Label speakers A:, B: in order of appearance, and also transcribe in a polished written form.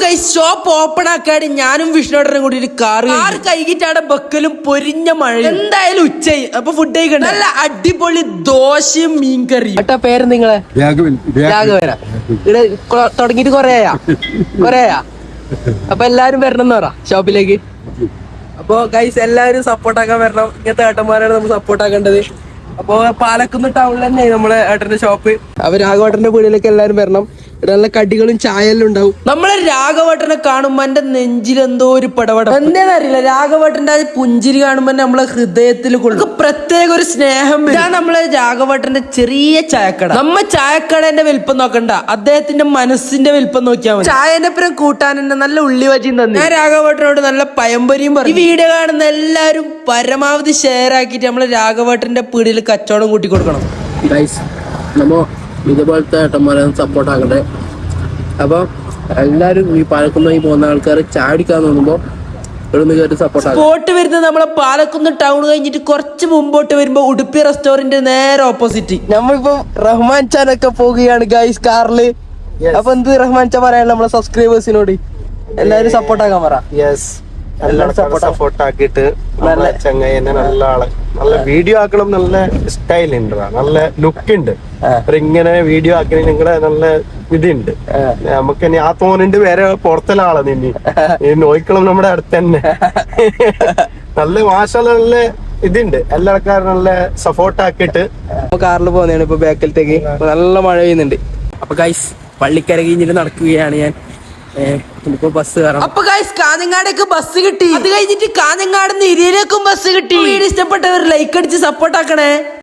A: Shop open ആക്കാടി ഞാനും വിഷ്ണുട്ടനും കൂടി ഒരു കാറ് കൈകിട്ടാടെ ബക്കലും പൊരിഞ്ഞ മഴ എന്തായാലും ഉച്ചയായി അപ്പൊ ഫുഡ് കഴിക്കണ്ട നല്ല അടിപൊളി ദോശയും മീൻകറിയും ഏട്ടാ പേര് നിങ്ങളെ രാഘവന ഇവിടെ തുടങ്ങിട്ട് കൊറേയാ അപ്പൊ എല്ലാരും വരണം എന്ന് പറ ഷോപ്പിലേക്ക്. അപ്പൊ ഗൈസ് എല്ലാവരും സപ്പോർട്ടാക്കാൻ വരണം. ഇങ്ങനത്തെ ഏട്ടന്മാരാണ് നമ്മൾ സപ്പോർട്ട് ആക്കേണ്ടത്. അപ്പൊ പാലക്കുന്ന് ടൗണിൽ തന്നെയായി നമ്മളെ ഏട്ടന്റെ ഷോപ്പ്. അപ്പൊ രാഘവേട്ടന്റെ വീടിലേക്ക് എല്ലാരും വരണം. നല്ല കടികളും ചായയെല്ലാം ഉണ്ടാവും. നമ്മളെ രാഘവേട്ടനെ കാണുമ്പോ എന്റെ നെഞ്ചിൽ എന്തോ ഒരു പടപട എന്താണെന്ന് അറിയില്ല. രാഘവേട്ടന്റെ ആ പുഞ്ചിരി കാണുമ്പോ നമ്മളെ ഹൃദയത്തിൽ കൊടുക്കും പ്രത്യേക ഒരു സ്നേഹം. ഇതാണ് നമ്മളെ രാഘവേട്ടന്റെ ചെറിയ ചായക്കട. നമ്മ ചായക്കടേന്റെ വലിപ്പം നോക്കണ്ട, അദ്ദേഹത്തിന്റെ മനസ്സിന്റെ വലിപ്പം നോക്കിയാൽ മതി. ചായന്റെ പുറം കൂട്ടാൻ തന്നെ നല്ല ഉള്ളി വജിയും തന്നെ. ഞാൻ രാഘവേട്ടനോട് നല്ല പയമ്പരിയും പറഞ്ഞു. ഈ വീഡിയോ കാണുന്ന എല്ലാവരും പരമാവധി ഷെയർ ആക്കിയിട്ട് നമ്മളെ രാഘവേട്ടന്റെ പീടിയിൽ കച്ചവടം കൂട്ടി കൊടുക്കണം. ഇതുപോലത്തെ ഏട്ടന്മാരെ സപ്പോർട്ട് ആക്കട്ടെ. അപ്പൊ എല്ലാരും ഈ പാലക്കുന്ന് പോകുന്ന ആൾക്കാർ ചാടിക്കാൻ തോന്നുമ്പോ സ്പോട്ട് വരുന്നത് നമ്മളെ പാലക്കുന്ന് ടൗൺ കഴിഞ്ഞിട്ട് കുറച്ച് മുമ്പോട്ട് വരുമ്പോ ഉടുപ്പി റെസ്റ്റോറന്റ് നേരെ ഓപ്പോസിറ്റ്. നമ്മളിപ്പോ റഹ്മാൻ ചാനൊക്കെ പോവുകയാണ് ഗൈസ് കാറില്. അപ്പൊ എന്ത് റഹ്മാൻ ചാൻ പറയാനുള്ള നമ്മളെ സബ്സ്ക്രൈബേഴ്സിനോട് എല്ലാരും സപ്പോർട്ട് ആക്കാൻ പറ.
B: സപ്പോർട്ട് ആക്കിയിട്ട് നല്ല ചങ്ങായിനെ നല്ല ആള് നല്ല വീഡിയോ ആക്കണം. നല്ല സ്റ്റൈൽ ഉണ്ട്, നല്ല ലുക്ക് ഉണ്ട്. ഇങ്ങനെ വീഡിയോ ആക്കണ നിങ്ങളെ നല്ല ഇതുണ്ട്. നമുക്ക് ഇനി ആ തോന്നുന്നുണ്ട് വേറെ പുറത്തുള്ള നിന്നി നോക്കണം നമ്മുടെ അടുത്ത് തന്നെ. നല്ല മാഷല്ല നല്ല ഇതുണ്ട്. എല്ലാ ആൾക്കാരും നല്ല സപ്പോർട്ട് ആക്കിയിട്ട്
A: കാറിൽ പോകുന്നതാണ് ഇപ്പൊ ബാക്കിലത്തേക്ക്. നല്ല മഴ പെയ്യുന്നുണ്ട്. അപ്പൊ ഗൈസ് പള്ളിക്കര കഴിഞ്ഞിട്ട് നടക്കുകയാണ് ഞാൻ. ബസ് കയറാം. അപ്പൊ ഗൈസ് കാഞ്ഞങ്ങാടേക്ക് ബസ് കിട്ടി. അത് കഴിഞ്ഞിട്ട് കാഞ്ഞങ്ങാട് നിന്ന് ഇരിയിലേക്കും ബസ് കിട്ടി. വീഡിയോ ഇഷ്ടപ്പെട്ടവർ ലൈക്ക് അടിച്ച് സപ്പോർട്ട് ആക്കണേ.